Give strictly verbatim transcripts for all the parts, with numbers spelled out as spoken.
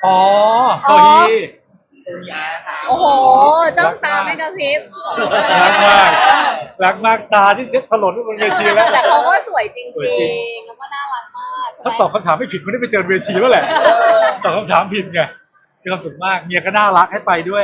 อ๋อโซฮีโอ้โหจ้องตาไม่กระพริบรักมากรักมากตาที่ถลนบนเวทีแล้วแต่เขาก็สวยจริงๆแล้วก็น่ารักมากถ้าตอบคำถามไม่ผิดไม่ได้ไปเจอเวทีแล้วแหละตอบคำถามผิดไงมีความสุขมากเมียก็น่ารักให้ไปด้วย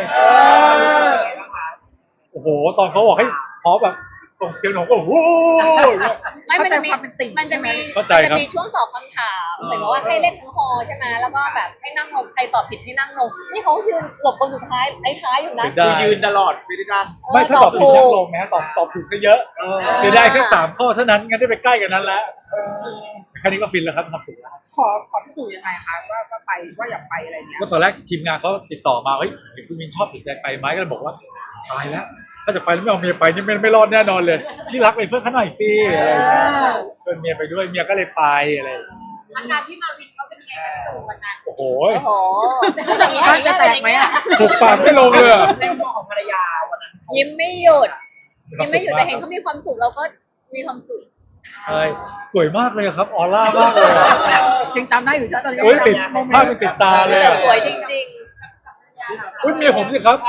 โอ้โหตอนเขาบอกให้พอแบบตรงเตียงหนูก็โอ้โหไม่มันจะมีมันจะมีมันจะมีช่วงตอบคำถามเหมือนกับว่าให้เล่นทั้งฮอใช่ไหมแล้วก็แบบให้นั่งลงใครตอบผิดให้นั่งลงนี่เขายืนหลบคนสุดท้ายไอ้ท้ายอยู่นะคือยืนตลอดไม่ได้ดังไม่ถ้าตอบผิดนั่งลงนะตอบตอบถูกก็เยอะจะได้แค่สามข้อเท่านั้นงั้นได้ไปใกล้กันนั้นแล้วแค่นี้ก็ฟินแล้วครับทำถูกแล้วขอขอที่ดูยังไงคะว่าว่าไปว่าอยากไปอะไรเงี้ยก็ตอนแรกทีมงานเขาติดต่อมาเฮ้ยเห็นคุณมินชอบติดใจไปไหมก็เลยบอกว่าตายแล้วถ้าจะไปแล้วไม่เอาเมียไปนี่ไม่ไม่รอดแน่นอนเลยที่รักเป็นเพื่อนเขาหน่อยสิอะไรอย่างเงี้ยชวนเมียไปด้วยเมียก็เลยไปอะไรอาการที่มาวินเขาเป็นยังไงกันตู่วันนั้นโอ้โหโอ้โหอย่างนี้จะแตกไหมอ่ะถูกปากไม่ลงเลยในมุมของภรรยาวันนั้นยิ้มไม่หยุดยิ้มไม่หยุดแต่เห็นเขามีความสุขเราก็มีความสุขใช่สวยมากเลยครับออร่ามากเลยยังจำได้อยู่ใช่ตอนนี้โอ้ยติดภาพมันติดตาเลยแต่สวยจริงๆอุ้ยเมียผมสิครับ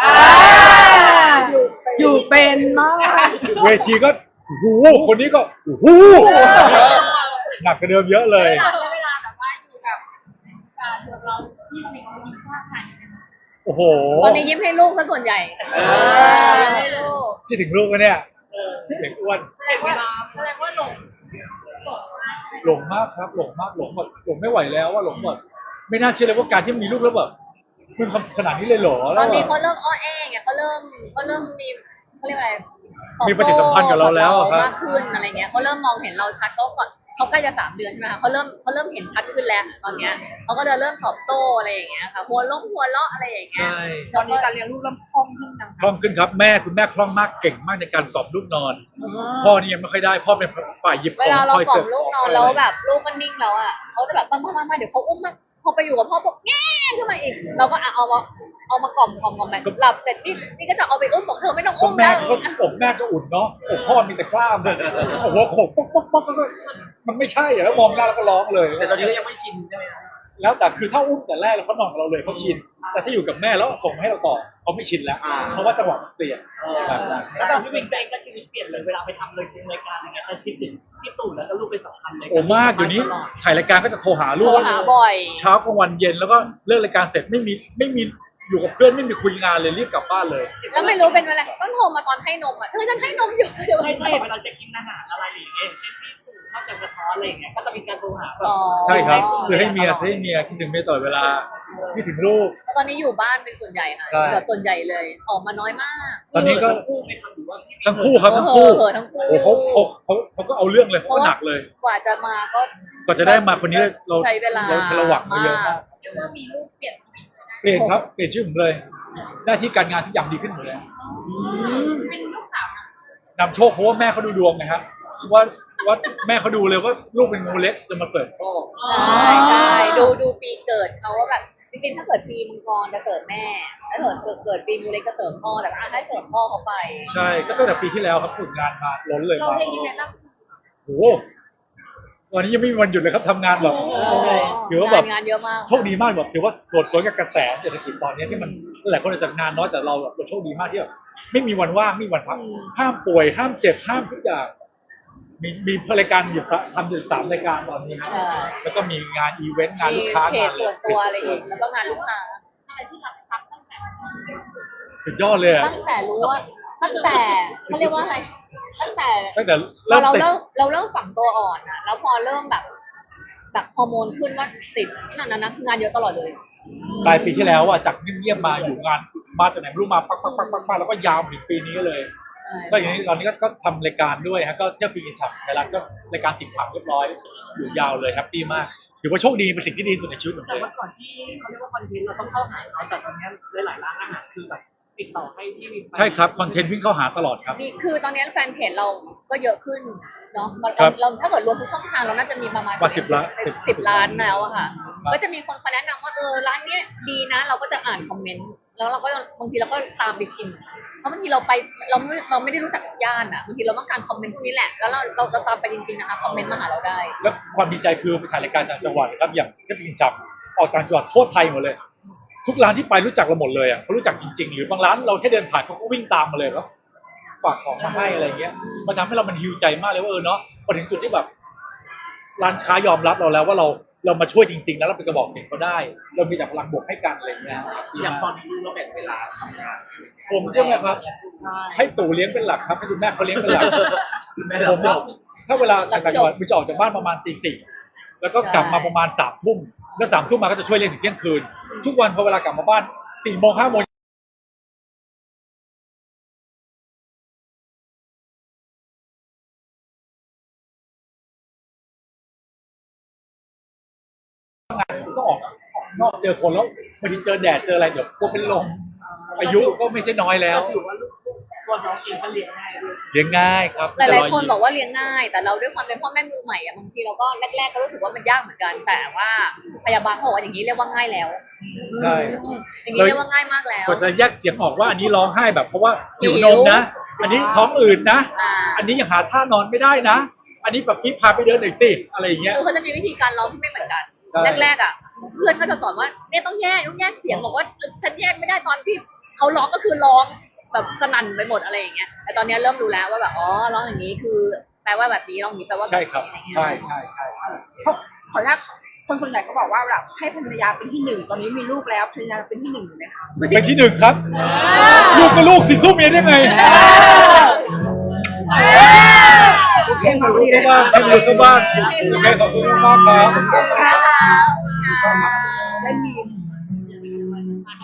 อยู่เป็นมากเวทีก็โอ้โหคนนี้ก็โอ้โหหนักกว่าเดิมเยอะเลยเวลาแบบว่าอยู่กับเราที่มีคนยิ้มข้างกันโอ้โหตอนนี้ยิ้มให้ลูกซะส่วนใหญ่ยิ้มให้ลูกที่ถึงลูกกันเนี่ยเด็กอ้วนแสดงว่าแสดงว่าหลงหลงมากครับหลงมากหลงหมดหลงไม่ไหวแล้วว่าหลงหมดไม่น่าเชื่อเลยว่าการที่มีลูกแล้วแบบมันขนาดนี้เลยเหรอตอนนี้เขาเริ่มอ้อแอ้ไงเขาเริ่มเขาเริ่มมีเขาเรียกอะไรมีปฏิสัมพันธ์กับเราแล้วมากขึ้นอะไรเงี้ยเขาเริ่มมองเห็นเราชัดเขาก่อนเขาใกล้จะสามเดือนใช่ไหมคะเขาเริ่มเขาเริ่มเห็นชัดขึ้นแล้วตอนเนี้ยเขาก็จะเริ่มตอบโต้อะไรอย่างเงี้ยค่ะหัวล้มหัวเลาะอะไรอย่างเงี้ยตอนนี้การเลี้ยงลูกเริ่มคล่องขึ้นยังคล่องขึ้นครับแม่คุณแม่คล่องมากเก่งมากในการกล่อมลูกนอนพ่อนี่ยังไม่ค่อยได้พ่อเป็นฝ่ายหยิบของเวลาเรากล่อมลูกนอนแล้วแบบลูกมันนิ่งแล้วอ่ะเขาจะแบบมามามาเดี๋ยวเขาอุ้มมาพอไปอยู่กับพ่อบอกแง่ขึ้นมาอีกเราก็เอามาเอามากล่อมกล่อมกล่อมแบบหลับเสร็จนี่นี่ก็จะเอาไปอุ้มบอกเธอไม่ต้องอุ้มแม่ก็อกแม่ก็อุ่นเนาะอกพ่อมีแต่กล้ามเลยโอ้โหโขกป๊อกป๊อกป๊อกมันไม่ใช่อะแล้วมองหน้าแล้วก็ร้องเลยแต่ตอนนี้ก็ยังไม่ชินใช่ไหมครับแล้วแต่คือถ้าอุ้มแต่แรกแล้วเขานอนกับเราเลยเขาชินแต่ถ้าอยู่กับแม่แล้วส่งให้เราต่อเขาไม่ชินแล้วเพราะว่าจังหวะมันเปลี่ยนแล้วตอนพี่วินเองก็ชีวิตเปลี่ยนเลยเวลาไปทำเลยรายการอะไรเงี้ยแต่คิดถึงพี่ตู่แล้วก็ลูกเป็นสำคัญเลยโอ้มากอยู่นี้ถ่ายรายการก็จะโทรหาลูกโทรหาบ่อยเช้ากลางวันเย็นแล้วก็เลิกรายการเสร็จไม่มีไม่มีอยู่กับเพื่อนไม่มีคุยงานเลยรีบกลับบ้านเลยแล้วไม่รู้เป็นอะไรต้องโทรมาตอนให้นมอ่ะเธอฉันให้นมอยู่ไม่ใช่เวลาจะกินอาหารอะไรอย่างเงี้ยเช่นพี่ตู่ชอบจะกระท้อนอะไรอย่างเงี้ยก็จะมีการโทรหาแบบใช่ครับคือให้เมียให้เมียคิดถึงเมียตลอดเวลาคิดถึงลูกตอนนี้อยู่บ้านเป็นส่วนใหญ่ค่ะเกือบส่วนใหญ่เลยออกมาน้อยมากตอนนี้ก็ทั้งคู่ไม่ทำหรือว่าทั้งคู่ครับทั้งคู่ทั้งคู่เขาเขาเขาเขาก็เอาเรื่องเลยเขาหนักเลยกว่าจะมาก็กว่าจะได้มาคนนี้เราใช้เวลาเราระวังมาเยอะมากเรียกว่ามีลูกเปลี่ยนชีวิตเปลี่ยนครับเปลี่ยนชื่อผมเลยหน้าที่การงานทุกอย่างดีขึ้นหมดเลยเป็นลูกสาวนำโชคเพราะว่าแม่เขาดูดวงนะครับว่าว่าแม่เขาดูเลยว่าลูกเป็นงูเล็กจะมาเกิดพ่อใช่ใช่ดูดูปีเกิดเขาว่าแบบจริงๆถ้าเกิดปีมังกรจะเกิดแม่ถ้าเกิดเกิดปีงูเล็กก็เสริมพ่อแต่ว่าให้เสริมพ่อเขาไปใช่ก็ตั้งแต่ปีที่แล้วครับฝึกงานมาล้นเลยเราเรียนยังไงบ้างโอ้วันนี้ยังไม่มีวันหยุดเลยครับทำงานแบบถือว่าแบบงานเยอะมากโชคดีมากแบบถือว่าสดสวยกับกระแสเศรษฐกิจตอนนี้ที่มันหลายคนอาจจะงานน้อยแต่เราแบบโชคดีมากที่แบบไม่มีวันว่างไม่มีวันพักห้ามป่วยห้ามเจ็บห้ามทุกอย่างมีมีรายการอยู่ทำอยู่สามรายการตอนนี้นะแล้วก็มีงานอีเวนต์งานลูกค้างานส่วนตัวอะไรอีกแล้วก็งานลูกค้าอะไรที่เราทำตั้งแต่สุดยอดเลยตั้งแต่รู้ว่าตั้งแต่เขาเรียกว่าอะไรตั้งแต่ตั้งแต่เราเริ่มเราเริ่มฝังตัวอ่อนอะแล้วพอเริ่มแบบแบบฮอร์โมนขึ้นว่าติดนั่นนะคืองานเยอะตลอดเลยปลายปีที่แล้วอ่ะจากเงียบๆมาอยู่งานมาจากไหนไม่รู้มาปักปักปักปักปักแล้วก็ยาวถึงปีนี้เลยก็อย่างนี้ตอนนี้ก็ทำรายการด้วยฮะก็เที่ยวปีกินฉับในร้านก็รายการติดผังเรียบร้อยอยู่ยาวเลยแฮปปี้มากถือว่าโชคดีเป็นสิ่งที่ดีสุดในชีวิตผมเลยแต่ว่าก่อนที่เขาเรียกว่าคอนเทนต์เราต้องเข้าหาเขาแต่ตอนนี้หลายๆร้านอาหารคือแบบติดต่อให้ที่มีใช่ครับคอนเทนต์วิ่งเข้าหาตลอดครับมีคือตอนนี้แฟนเพจเราก็เยอะขึ้นเนาะเราถ้าเกิดรวมทุกช่องทางเราน่าจะมีประมาณสิบล้านสิบล้านแล้วอะค่ะก็จะมีคนเขาแนะนำว่าเออร้านนี้ดีนะเราก็จะอ่านคอมเมนต์แล้วเราก็บางทีเราก็ตามไปชิมเพราะบางทีเราไปเราไม่เราไม่ได้รู้จักย่านอ่ะบางทีเราต้องการคอมเมนต์พวกนี้แหละแล้วเราเราจะตามไปจริงๆนะคะคอมเมนต์มาหาเราได้แล้วความดีใจคือไปถ่ายรายการต่างจังหวัดครับอย่างที่พิงจับออกต่างจังหวัดทั่วไทยหมดเลยทุกร้านที่ไปรู้จักเราหมดเลยอ่ะเขารู้จักจริงๆ หรือบางร้านเราแค่เดินผ่านเขาก็วิ่งตามมาเลยแล้วฝากของมาให้อะไรเงี้ยมันทำให้เรามันฮิวใจมากเลยว่าเออเนาะพอถึงจุดที่แบบ ร้านค้ายอมรับเราแล้วว่าเราเรามาช่วยจริงๆนะเราเป็นกระบอกเสียงเขาได้ เรามีแต่พลังบวกให้กันอะไรเงี้ยอย่างตอนนี้ลูกเราแบ่งเวลาทำงานผมใช่ไหมครับใช่ให้ตู่เลี้ยงเป็นหลักครับให้คุณแม่เขาเลี้ยงเป็นหลักแม่ผเรามจอะบถ้าเวลาต่างจังหวัดมันจะออกจากบ้านประมาณตีสี่แล้วก็กลับมาประมาณสามทุ่มแล้วสามทุ่มมาก็จะช่วยเลี้ยงถึงเที่ยงคืน ทุกวันพอเวลากลับมาบ้านสี่โมงห้าโมงงานก็ออกออกนอกเจอคนแล้วบางทีเจอแดดเจออะไรเดี๋ยวกลัวเป็นลมอายุก็ไม่ใช่น้อยแล้วก็ถือว่าลูกตัวน้องเองก็เลี้ยงง่ายด้วยเลี้ยงง่ายครับหลายๆคนบอกว่าเลี้ยงง่าย แต่เราด้วยความเป็นพ่อแม่มือใหม่อะบางทีเราก็แรกๆก็รู้สึกว่ามันยากเหมือนกัน แต่ว่าพยาบาลเขาบอกว่าอย่างนี้เรียกว่าง่ายแล้วใช่อืมอย่างนี้เรียกว่าง่ายมากแล้วกว่าจะแยกเสียงออกว่าอันนี้ร้องไห้แบบเพราะว่าหิวหินวมนะ อันนี้ท้องอืดนะอ่าอันนี้ยังหาท่านอนไม่ได้นะ อันนี้แบบพี่พาไปเดินหน่อยสิอะไรอย่างเงี้ยคือเขาจะมีวิธีการร้องที่ไม่เหมือนกันใช่แรกๆอ่ะ เพื่อนก็จะสอนว่าเนี่ยต้องแยกต้องแยกเสียงบอกว่าฉันแยกไม่ได้ตอนที่เขาร้องก็คือร้องแบบสนั่นไปหมดอะไรอย่างเงี้ย แต่ตอนนี้เริ่มรู้แล้วว่าแบบอ๋อร้องอย่างนี้คือแปลว่าแบบนี้ร้องอย่างนี้แปลว่าแบบใช่นี้ครับอะไรเงี้ยใช่ใช่ใช่ใช่เขาขออนุญาตคนส่วนใหญ่ก็บอกว่าแบบให้ภรรยาเป็นที่หนึ่งตอนนี้มีลูกแล้วภรรยาเป็นที่หนึ่งอยู่ไหมคะเป็นที่หนึ่งครับ ลูกก็ลูกสิสู้เมียได้ไงโอเคขอบลูคุกณเลก็ยบ้านให้ลูกก็บ้านโอเคขอบคุณมากครับขอบคุณค่ะขอบคุณค่ะได้มี